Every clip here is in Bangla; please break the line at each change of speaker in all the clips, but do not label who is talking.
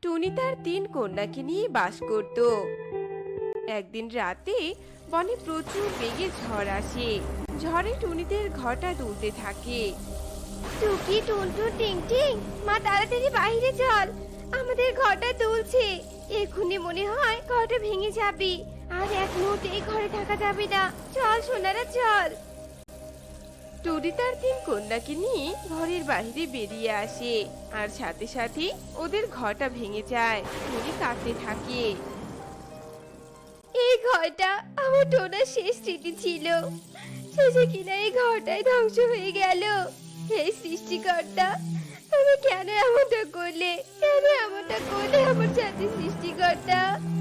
টুনি তার তিন কন্যাকে নিয়ে বাস করত। একদিন রাতে বনে প্রচুর বেগে ঝড় আসে। ঝড়ে টুনিদের ঘরটা দুলতে থাকে।
টুকি টুনটুন টিং টিং, মা তাড়াতাড়ি বাইরে চল, আমাদের ঘরটা দুলছে। এক্ষুনি মনে হয় ঘরটা ভেঙে যাবে, আর এক মুহূর্তে এই ঘরে থাকা যাবে না। চল সোনারা চল।
টুনি তার তিন কন্যাকে নিয়ে ঘরের বাইরে বেরিয়ে আসে, আর সাথে সাথে ওদের ঘরটা ভেঙে যায়। টুনি কাঁদতে থাকে।
এই ঘরটা আমার টোনার শেষ স্মৃতি ছিল, শেষে কিনা এই ঘরটাই ধ্বংস হয়ে গেল। এই সৃষ্টিকর্তা, তুমি কেন এমনটা করলে, কেন এমনটা করলে আমার সাথে সৃষ্টিকর্তা?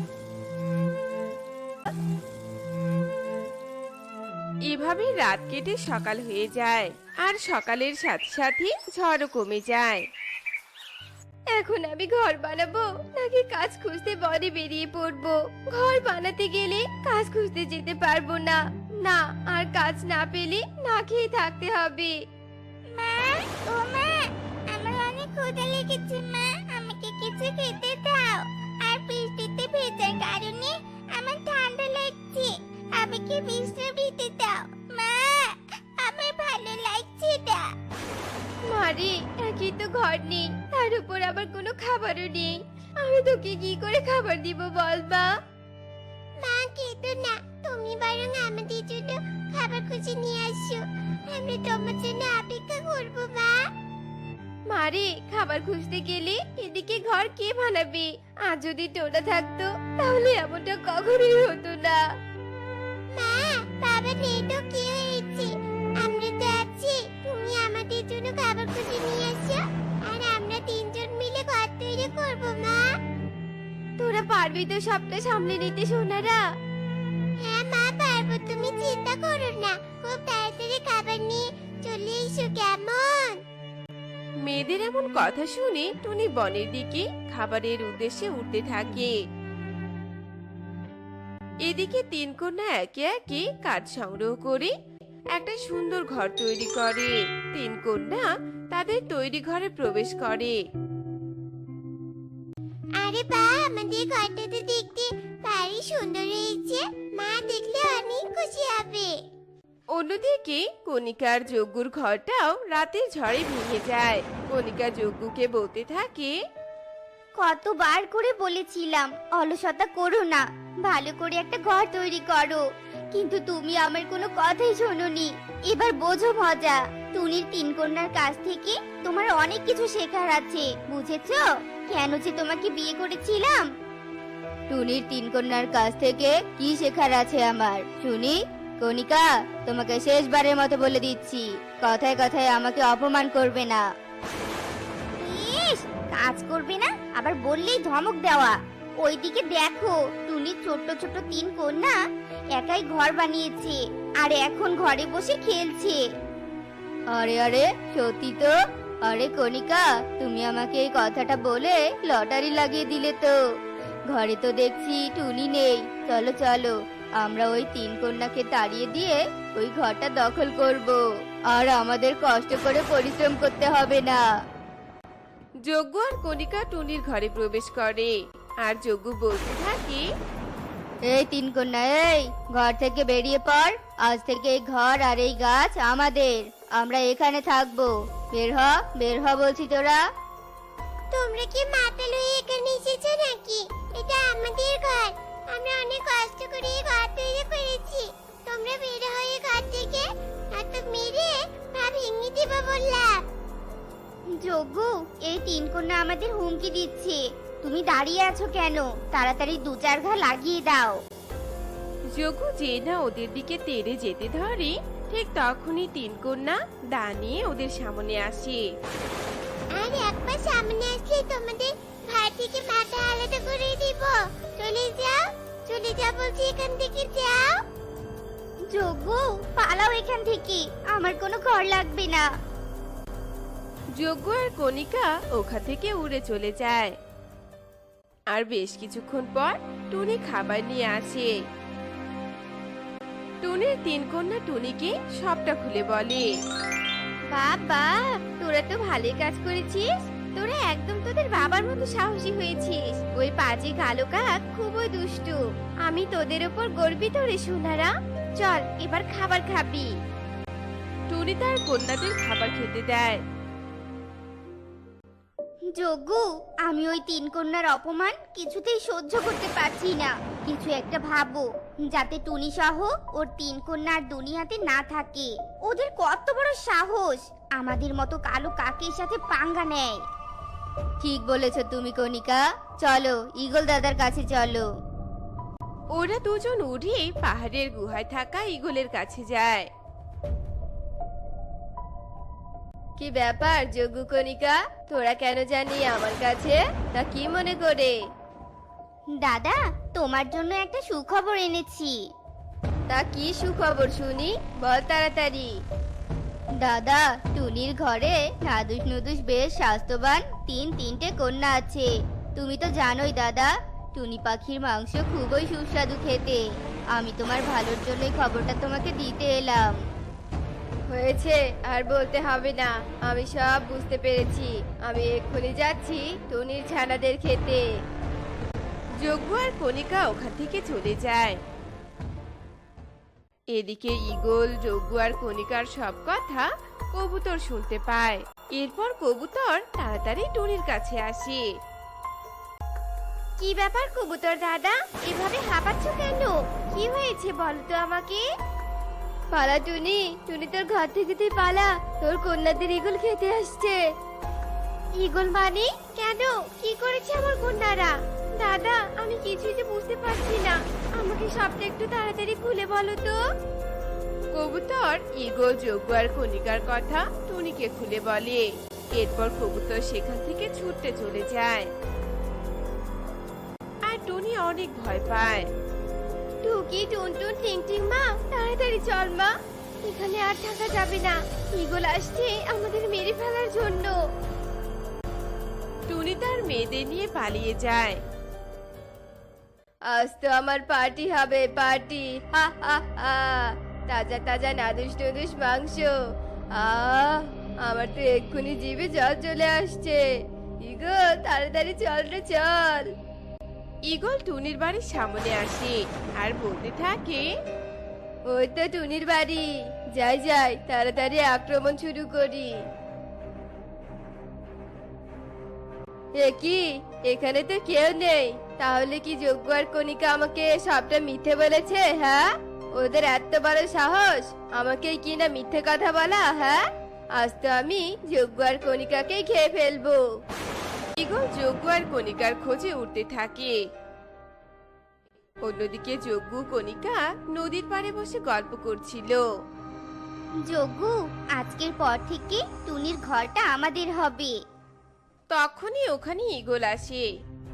এভাবে রাত কেটে সকাল হয়ে যায়, আর সকালের সাথে সাথে ঝড়ও কমে যায়।
এখন আমি ঘর বানাবো নাকি কাজ খুঁজতে বনে বেরিয়ে পড়বো? ঘর বানাতে গেলে কাজ খুঁজতে যেতে পারবো না, না আর কাজ না পেলে না খেয়ে থাকতে হবে।
মা, ও মা, আমার অনেক ক্ষুধা লেগেছে মা, আমাকে কিছু খেতে দাও। আর বৃষ্টিতে ভেজার কারণে আমার ঠান্ডা লাগছে, আমাকে বিশ্রাম নিতে দাও মা, আমার ভালো লাগছে না।
মারে, একই তো ঘর নেই, তার উপর আবার কোনো খাবারও নেই। আমি তোকে কি করে খাবার দিব বল মা?
মা কেঁদো না, তুমি বরং আমাদের জন্য খাবার খুঁজে নিয়ে আসো, আমরা তোমার জন্য অপেক্ষা করবো মা।
মারে, খাবার খুঁজতে গেলে এদিকে ঘর কে বানাবে? আর যদি টোনা থাকতো তাহলে এমনটা কখনোই হতো না।
মা, বাবা নেই তো কি হয়েছে, আমরা তো আছি, তুমি আমাদের জন্য খাবার খুঁজে নিয়ে আসো, আর আমরা তিনজন মিলে ঘর তৈরি করবো মা।
তোরা পারবি তো সবটা সামলে নিতে সোনারা?
হ্যাঁ মা, পারবো, তুমি চিন্তা করো না, খুব তাড়াতাড়ি খাবার নিয়ে চলে এসো কেমন?
মেয়েদের এমন কথা শুনে টুনি বনের দিকে খাবারের উদ্দেশ্যে উঠতে থাকে। এদিকে তিন কন্যা একে একে কাঠ সংগ্রহ করে একটা সুন্দর ঘর তৈরি করে। তিন কন্যা তাদের তৈরি ঘরে প্রবেশ করে।
আরে বা, আমাদের ঘরটা তো দেখতে ভারী সুন্দর হয়েছে, মা দেখলে অনেক খুশি হবে।
অন্যদিকে কণিকার যজ্ঞুর ঘরটাও রাতের ঝড়ে ভেঙে যায়। কণিকা যজ্ঞুকে বলতে থাকে,
কতবার করে বলেছিলাম অলসতা করো না, ভালো করে একটা ঘর তৈরি করো, কিন্তু তুমি আমার কোনো কথাই শোনোনি। এবার বোঝো মজা, টুনির তিন কন্যার কাছ থেকে তোমার অনেক কিছু শেখার আছে, বুঝেছো? কেন যে তোমাকে বিয়ে করেছিলাম। টুনির তিন কন্যার কাছ থেকে কি শেখার আছে আমার শুনি? কণিকা, তোমাকে শেষবারের মতো বলে দিচ্ছি, কথায় কথায় আমাকে অপমান করবে না। ইস, কাজ করবে না আবার বললেই ধমক দেওয়া। ওইদিকে দেখো, টুনির ছোট্ট ছোট্ট তিন কন্যা একাই ঘর বানিয়েছে, আর এখন ঘরে বসে খেলছে। আরে আরে, সত্যি তো? আরে কণিকা, তুমি আমাকে এই কথাটা বলে লটারি লাগিয়ে দিলে তো। ঘরে তো দেখছি টুনি নেই, চলো চলো, আমরা ওই তিন কন্যাকে তাড়িয়ে দিয়ে ওই ঘরটা দখল করব, আর আমাদের কষ্ট করে পরিশ্রম করতে হবে না।
যজ্ঞ আর কণিকা টুনির ঘরে প্রবেশ করে, আর যজ্ঞ বলতে থাকে,
এই তিন কন্যা, এই ঘর থেকে বেরিয়ে পড়, আজ থেকে এই ঘর আর এই গাছ আমাদের, আমরা এখানে থাকবো। বের হ, বের হ বলছি তোরা। তোমরা কি মাতাল হয়ে এখানে এসেছো নাকি? এটা আমাদের ঘর, আমরা অনেক কষ্ট করে এই ঘর তৈরি করেছি, তোমরা বের হয়ে ঘর থেকে, নয়তো মেরে পা ভেঙে দিব বললাম। যোগ্য, এই তিন কন্যা আমাদের হুমকি দিচ্ছে, তুমি দাঁড়িয়ে আছো কেন? তাড়াতাড়ি দু চার ঘা লাগিয়ে দাও।
যজ্ঞ যে না ওদের দিকে তেড়ে যেতে ধরে, ঠিক তখনই তিন কন্যা দা নিয়ে ওদের সামনে আসে।
আর একবার সামনে আসলে তোমাদের ঘর থেকে মাথা আলাদা করে দিব, চলে যাও, চলে যাও বলছি, এখান থেকে যাও। যোগ্য, পালাও এখান থেকে, আমার কোনো ঘর লাগবে না।
যজ্ঞ আর কণিকা ওখান থেকে উড়ে চলে যায়। আর বেশ কিছুক্ষণ পর টুনি খাবার নিয়ে আসে। টুনির তিন কন্যা টুনিকে সবটা খুলে বলে।
বাবা, তোরা তো ভালোই কাজ করেছিস, তোরা একদম তোদের বাবার মতো সাহসী হয়েছিস। ওই পাজি কালো কাক খুবই দুষ্টু। আমি তোদের উপর গর্বিত রে সোনারা। চল এবার খাবার খাবি।
টুনি তার কন্যাদের খাবার খেতে দেয়।
যজ্ঞ, আমি ওই তিন কন্যার অপমান কিছুতেই সহ্য করতে পারছি না। কিছু একটা ভাবো, যাতে টুনি সহ ওর তিন কন্যা আর দুনিয়াতে না থাকে। ওদের কত বড় সাহস আমাদের মতো কালো কাকের সাথে পাঙ্গা নেয়। ঠিক বলেছ তুমি কণিকা, চলো ঈগল দাদার কাছে চলো।
ওরা দুজন উড়ে পাহাড়ের গুহায় থাকা ঈগলের কাছে যায়।
কি ব্যাপার যজ্ঞ কণিকা, তোরা কেন জানি আমার কাছে? তা কি মনে করে?
দাদা, তোমার জন্য একটা সুখবর এনেছি।
তা কি সুখবর শুনি, বল তাড়াতাড়ি।
দাদা, টুনির ঘরে নাদুস নুদুস বেশ স্বাস্থ্যবান তিনটে কন্যা আছে। তুমি তো জানোই দাদা, টুনি পাখির মাংস খুবই সুস্বাদু খেতে। আমি তোমার ভালোর জন্যই খবরটা তোমাকে দিতে এলাম।
হয়েছে, আর বলতে হবে না, আমি সব বুঝতে পেরেছি। আমি এক্ষুনি যাচ্ছি টুনির ছানাদের খেতে।
যজ্ঞ আর কণিকা ওখান থেকে চলে যায়। এদিকে ঈগল যজ্ঞ আর কণিকার সব কথা কবুতর শুনতে পায়। এরপর কবুতর তাড়াতাড়ি টুনির কাছে আসে।
কি ব্যাপার কবুতর দাদা, এভাবে হাঁপাচ্ছ কেন? কি হয়েছে বলো তো আমাকে। পালা টুনি, টুনি তোর ঘর থেকে তুই পালা, তোর কন্যাদের ঈগল খেতে আসছে। ঈগল মানে? কেন, কি করেছে আমার কন্যারা? দাদা, আমি কিছুই যে বুঝতে পারছি না, আমাকে সবটা একটু তাড়াতাড়ি খুলে বলো তো।
কবুতর ঈগল যজ্ঞ আর কণিকার কথা টুনিকে খুলে বলে। এরপর কবুতর সেখান থেকে ছুটতে চলে যায়। আর টুনি অনেক ভয় পায়।
টুকি টুনটুন টিং টিং মা, তাড়াতাড়ি চল মা, এখানে আর থাকা যাবে না। ঈগল আসছে আমাদের মেরে ফেলার জন্য।
টুনি তার মেয়েদের নিয়ে পালিয়ে যায়।
আজ তো আমার পার্টি হবে, পার্টি, হা হা হা। তাজা তাজা নাদুস নুদুস মাংস। আমার তো এক্ষুনি জিভে জল চলে আসছে। ঈগল তাড়াতাড়ি চল রে চল।
ঈগল টুনির বাড়ির সামনে আসে আর বলতে থাকে,
ওই তো টুনির বাড়ি, যাই যাই তাড়াতাড়ি আক্রমণ শুরু করি। এ কি, এখানে তো কেউ নেই। তাহলে কি যজ্ঞ আর কণিকা আমাকে সবটা মিথ্যে বলেছে? হ্যাঁ, ওদের এত বড় সাহস আমাকে কি না মিথ্যে কথা বলা। হ্যাঁ, আজ তো আমি যজ্ঞ আর কণিকাকেই খেয়ে ফেলবো।
ঈগল যজ্ঞ আর কণিকার খোঁজে উঠতে থাকে। অন্যদিকে যজ্ঞ কণিকা নদীর পাড়ে বসে গল্প করছিল।
যজ্ঞ, আজকের পর থেকে টুনির ঘরটা আমাদের হবে।
তখনই ওখানে ঈগল আসে।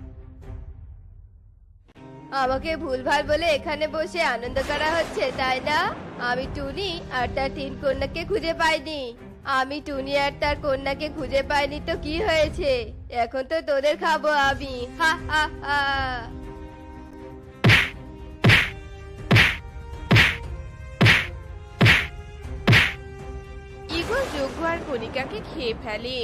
আমাকে ভুলভাল বলে এখানে বসে আনন্দ করা হচ্ছে, তাই না? আমি টুনি আর তার তিন কন্যাকে খুঁজে পাইনি। আমি টুনি আর তার কন্যাকে খুঁজে পাইনি তো কি হয়েছে? এখন তো তোদের খাবো আমি, হা হা হা।
ঈগল যজ্ঞ আর কণিকাকে খেয়ে ফেলে।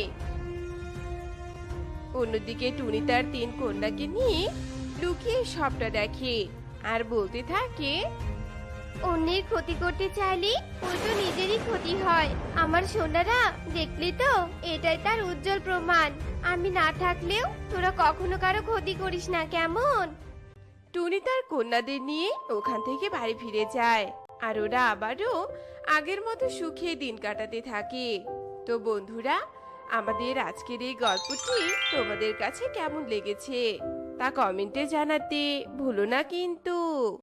অন্যদিকে টুনি তার তিন কন্যাকে নিয়ে লুকিয়ে সবটা দেখে আর বলতে থাকে,
অন্যের ক্ষতি করতে চাইলে উল্টো নিজেরই ক্ষতি হয়। আমার সোনারা, দেখলি তো, এটাই তার উজ্জ্বল প্রমাণ। আমি না থাকলেও তোরা কখনো কারো ক্ষতি করিস না, কেমন?
টুনি তার কন্যাদের নিয়ে ওখান থেকে বাড়ি ফিরে যায় আর ওরা আবারও আগের মতো সুখে দিন কাটাতে থাকে। তো বন্ধুরা, আমাদের আজকের এই গল্পটি তোমাদের কাছে কেমন লেগেছে তা কমেন্টে জানাতে ভুলো না কিন্তু।